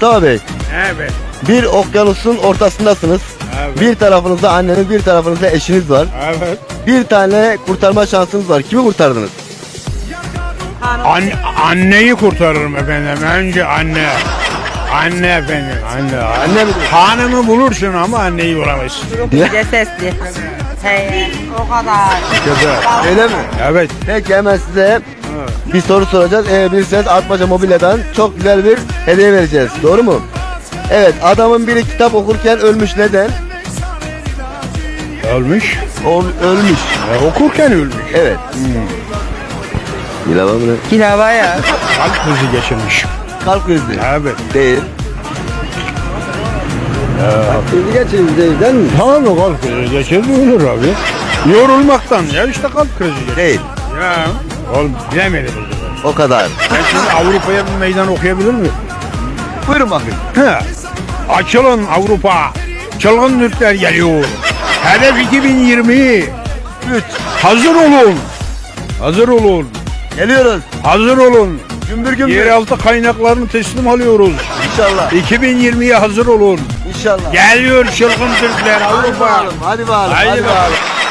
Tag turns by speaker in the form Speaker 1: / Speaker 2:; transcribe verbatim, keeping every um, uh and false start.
Speaker 1: Mustafa Bey,
Speaker 2: Evet.
Speaker 1: bir okyanusun ortasındasınız.
Speaker 2: Evet.
Speaker 1: Bir tarafınızda anneniz, bir tarafınızda eşiniz var.
Speaker 2: Evet.
Speaker 1: Bir tane kurtarma şansınız var. Kimi kurtardınız?
Speaker 2: An anneyi kurtarırım efendim. Önce anne. Anne efendim. Anne.
Speaker 1: Anne mi?
Speaker 2: Hanımı bulursun ama anneyi bulamazsın.
Speaker 3: Çok sesli. Hey, o kadar.
Speaker 2: Güzel.
Speaker 1: Öyle mi?
Speaker 2: Evet.
Speaker 1: Peki hemen size bir soru soracağız. Eğer bilirseniz Atmaca Mobilya'dan çok güzel bir hediye vereceğiz. Doğru mu? Evet, adamın biri kitap okurken ölmüş. Neden?
Speaker 2: Ölmüş.
Speaker 1: O, ölmüş.
Speaker 2: E, okurken ölmüş.
Speaker 1: Evet. Bilal mı?
Speaker 3: Pilava ya.
Speaker 2: Kalp krizi geçirmiş.
Speaker 1: Kalp krizi.
Speaker 2: Evet.
Speaker 1: Değil. Kalp krizi geçirmiş değil, değil mi?
Speaker 2: Tamam mı kalp krizi geçirdi ölür abi. Yorulmaktan ya işte kalp krizi geçirdi.
Speaker 1: Değil.
Speaker 2: Ya. Oğlum bilemedim.
Speaker 1: O kadar.
Speaker 2: Ben şimdi Avrupa'ya bir meydan okuyabilir miyim?
Speaker 1: Buyurun bakın.
Speaker 2: He. Açılın Avrupa. Çılgın Türkler geliyor. Hedef iki bin yirmi.
Speaker 1: Üç.
Speaker 2: Hazır olun. Hazır olun.
Speaker 1: Geliyoruz.
Speaker 2: Hazır olun.
Speaker 1: Gümbür gümbür.
Speaker 2: Yeraltı kaynaklarını teslim alıyoruz.
Speaker 1: İnşallah.
Speaker 2: iki bin yirmiye hazır olun.
Speaker 1: İnşallah.
Speaker 2: Geliyor çılgın Türkler
Speaker 1: Hadi
Speaker 2: Avrupa.
Speaker 1: bakalım. Hadi bakalım.
Speaker 2: Haydi
Speaker 1: Hadi
Speaker 2: bakalım.
Speaker 1: bakalım.